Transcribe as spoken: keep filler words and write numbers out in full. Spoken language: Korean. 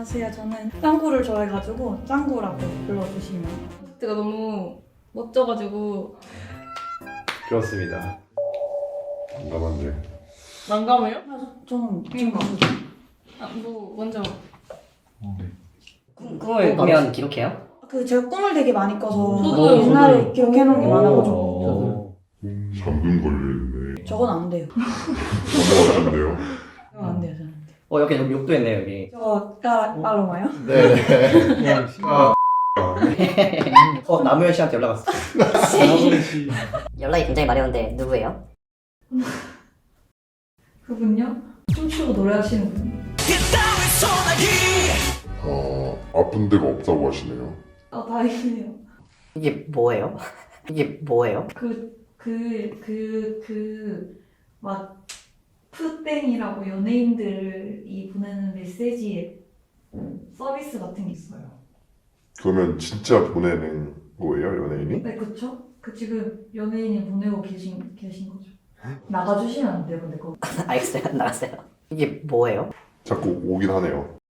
안녕하세요. 저는 짱구를 좋아해가지고 짱구라고 불러주시면. 제가 너무 멋져가지고. 그렇습니다. 난감한데. 난감해요? 아, 저는 이거. 지금 아, 뭐 먼저. 꿈, 꿈을 꾸면 기록해요? 그 제가 꿈을 되게 많이 꿔서 저도요, 옛날에 저도요. 기억해놓은 게 많아가지고 저도. 잠금 걸려있네. 저건 안 돼요. 넘어갔는데요. 저건 안 돼요. 저는. 어 여기 여기 욕도 있네요 여기. 저거 따라 빨로마요? 네. 아, 어 남우현 씨한테 연락 왔어. 연락이 굉장히 많이 오는데 누구예요? 그분요? 춤추고 노래하시는 분. 어, 아픈 데가 없다고 하시네요. 아 다행이네요. 이게 뭐예요? 이게 뭐예요? 그 그 그 그 막 푸땡이라고 연예인들이 보내는 메시지 서비스 같은 게 있어요. 그러면 진짜 보내는 거예요, 연예인이? 네, 그쵸? 그 지금 연예인이 보내고 계신 계신 거죠. 나가주시면 안 돼요, 근데 그거. 알겠어요. 나갔어요. 이게 뭐예요? 자꾸 오긴 하네요.